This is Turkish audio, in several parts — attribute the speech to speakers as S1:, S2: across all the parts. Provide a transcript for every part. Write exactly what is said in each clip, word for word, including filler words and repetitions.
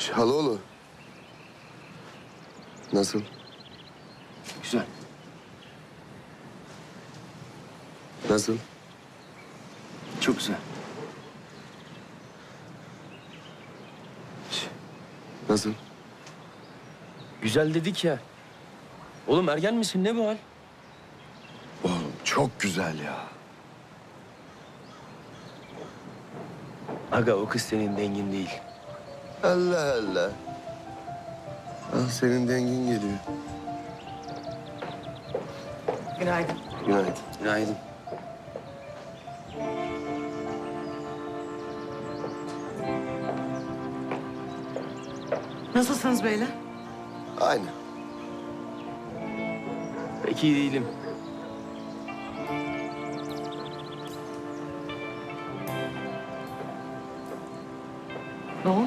S1: Çaloğlu. Nasıl?
S2: Güzel.
S1: Nasıl?
S2: Çok güzel.
S1: Nasıl?
S2: Güzel dedik ya. Oğlum ergen misin? Ne bu hal?
S1: Oğlum çok güzel ya.
S2: Aga o kız senin dengin değil.
S1: Allah Allah. Al senin dengin geliyor.
S3: Günaydın.
S1: Günaydın.
S2: Günaydın.
S3: Nasılsınız beyler?
S1: Aynı.
S2: Pek iyi değilim.
S3: Ne oldu?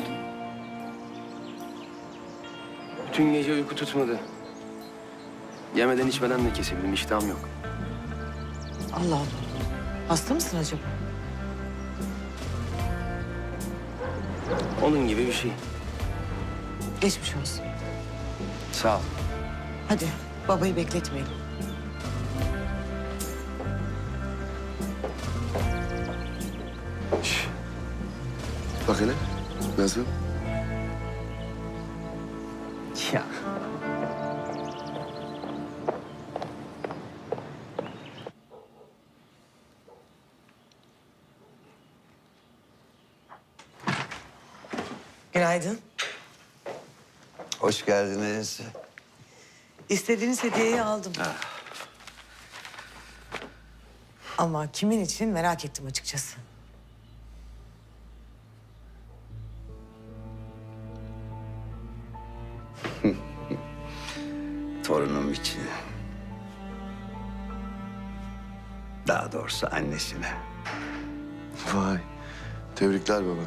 S2: Bütün gece uyku tutmadı. Yemeden içmeden de kesildim. İştahım yok.
S3: Allah Allah. Hasta mısın acaba?
S2: Onun gibi bir şey.
S3: Geçmiş olsun.
S2: Sağ ol.
S3: Hadi babayı bekletmeyelim.
S1: Şş. Bak hele. Nasıl?
S2: Ya.
S3: Günaydın.
S4: Hoş geldiniz.
S3: İstediğiniz hediyeyi aldım. Ama kimin için merak ettim açıkçası.
S4: Torunum için. Daha doğrusu annesine.
S1: Vay. Tebrikler baba.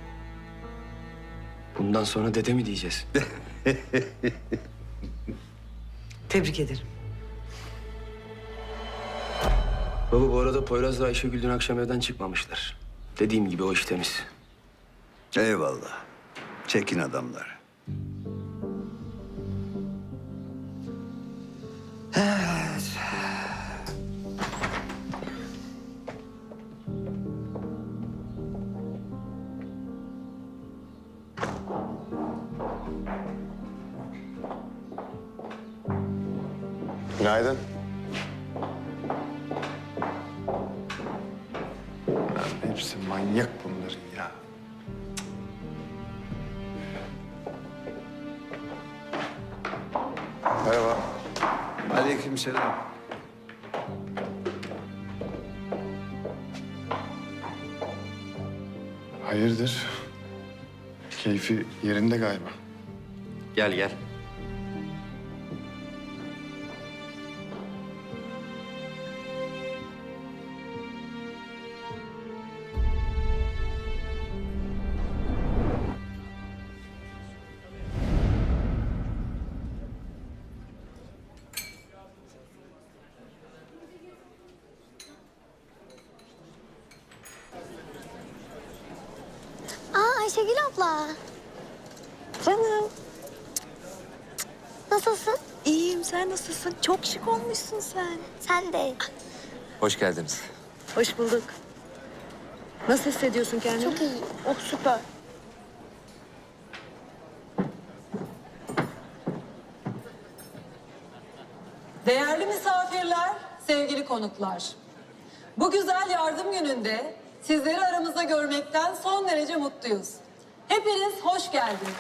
S2: Bundan sonra dede mi diyeceğiz?
S3: Tebrik ederim.
S2: Baba bu arada Poyraz'la Ayşegül dün akşam evden çıkmamışlar. Dediğim gibi o iş temiz.
S4: Eyvallah. Çekin adamlar. Evet.
S1: Günaydın.
S5: Lan hepsi manyak bunların ya.
S1: Merhaba.
S4: Aleykümselam.
S5: Hayırdır? Keyfi yerinde galiba.
S2: Gel gel.
S6: Aa Ayşegül abla. Canım. Nasılsın?
S7: İyiyim, sen nasılsın? Çok şık olmuşsun sen.
S6: Sen de.
S8: Hoş geldiniz.
S7: Hoş bulduk. Nasıl hissediyorsun kendini?
S6: Çok iyi. Oh süper.
S9: Değerli misafirler, sevgili konuklar. Bu güzel yardım gününde sizleri aramızda görmekten son derece mutluyuz. Hepiniz hoş geldiniz.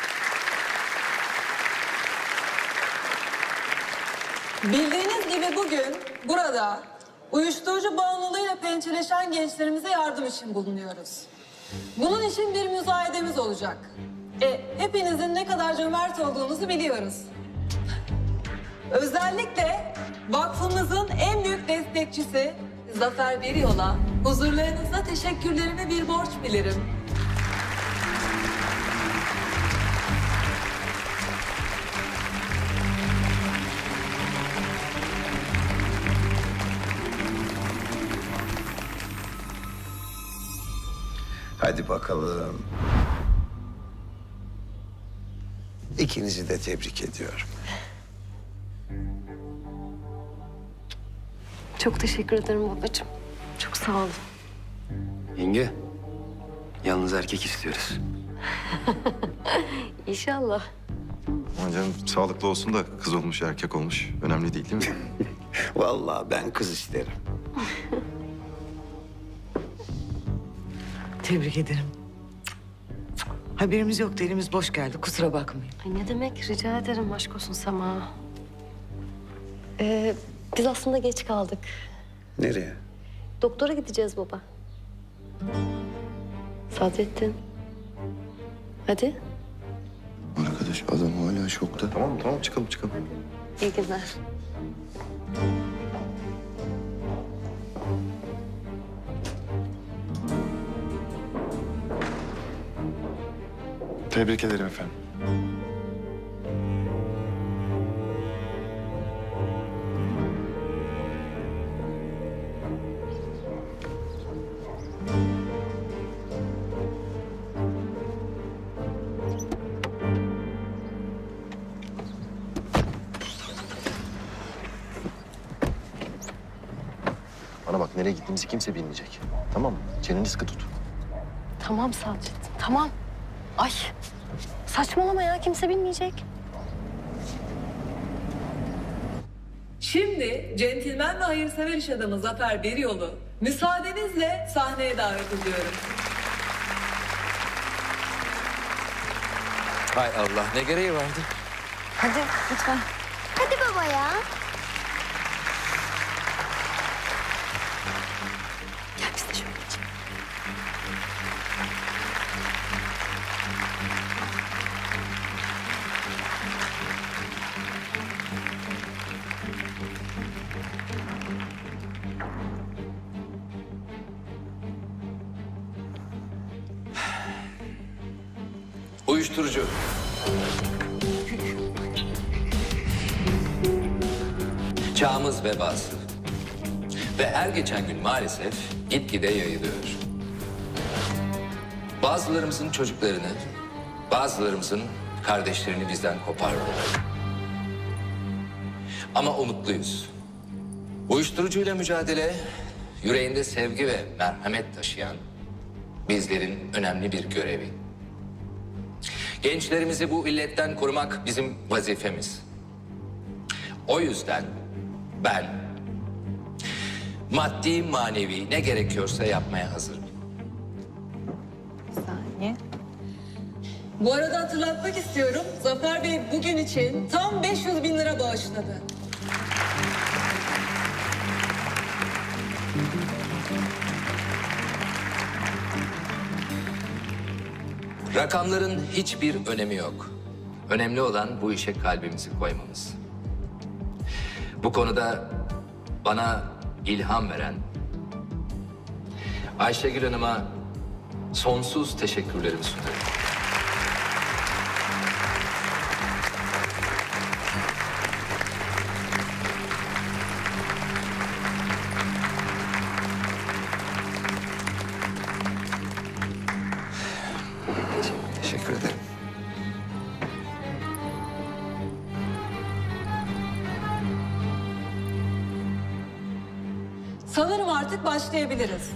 S9: Bildiğiniz gibi bugün burada uyuşturucu bağımlılığıyla pençeleşen gençlerimize yardım için bulunuyoruz. Bunun için bir müzayedemiz olacak. E, hepinizin ne kadar cömert olduğunuzu biliyoruz. Özellikle vakfımızın en büyük destekçisi Zafer Beriyol'a huzurlarınızda teşekkürlerimi bir borç bilirim.
S4: Hadi bakalım. İkinizi de tebrik ediyorum.
S6: Çok teşekkür ederim babacığım. Çok sağ olun.
S2: Yenge, yalnız erkek istiyoruz.
S6: İnşallah.
S10: Aman canım sağlıklı olsun da kız olmuş erkek olmuş. Önemli değil değil mi?
S4: Vallahi ben kız isterim.
S3: Tebrik ederim. Haberimiz yoktu, elimiz boş geldi. Kusura bakmayın.
S6: Ay ne demek? Rica ederim. Aşk olsun Sema. Ee, biz aslında geç kaldık.
S4: Nereye?
S6: Doktora gideceğiz baba. Sadrettin. Hadi.
S1: Arkadaş adam hala şokta.
S10: Tamam tamam çıkalım çıkalım.
S6: İyi günler.
S5: Tebrik ederim efendim.
S10: Bana bak nereye gittiğimizi kimse bilmeyecek. Tamam mı? Çeneni sıkı tut.
S6: Tamam Sadrettin. Tamam. Ay. Saçmalama ya. Kimse bilmeyecek.
S9: Şimdi centilmen ve hayırsever iş adamı Zafer Beriyol'u müsaadenizle sahneye davet ediyorum.
S8: Hay Allah ne gereği vardı?
S6: Hadi lütfen.
S11: Hadi baba ya.
S6: Gel biz de şöyle geçelim.
S8: Uyuşturucu. Çağımız vebası. Ve her geçen gün maalesef gitgide yayılıyor. Bazılarımızın çocuklarını, bazılarımızın kardeşlerini bizden kopardılar. Ama umutluyuz. Uyuşturucuyla mücadele, yüreğinde sevgi ve merhamet taşıyan bizlerin önemli bir görevi. Gençlerimizi bu illetten korumak bizim vazifemiz. O yüzden ben maddi manevi ne gerekiyorsa yapmaya hazırım.
S9: Bu arada hatırlatmak istiyorum. Zafer Bey bugün için tam beş yüz bin lira bağışladı.
S8: Rakamların hiçbir önemi yok. Önemli olan bu işe kalbimizi koymamız. Bu konuda bana ilham veren Ayşegül Hanım'a sonsuz teşekkürlerimi sunuyorum. Teşekkür ederim.
S9: Sanırım artık başlayabiliriz.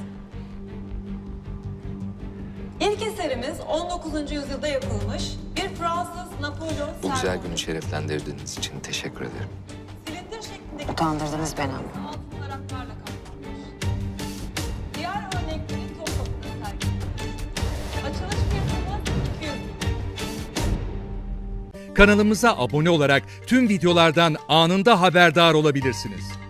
S9: İlk eserimiz on dokuzuncu yüzyılda yapılmış bir Fransız Napolyon
S8: Bu güzel
S9: sermonu.
S8: günü şereflendirdiğiniz için teşekkür ederim.
S9: Silindir şeklindeki
S3: Utandırdınız beni.
S9: altın varaklarla kaplanmış. Diğer örnekleri Topkapı'da sergilenmiş. Açılış fiyatımız iki yüz bin.
S12: Kanalımıza abone olarak tüm videolardan anında haberdar olabilirsiniz.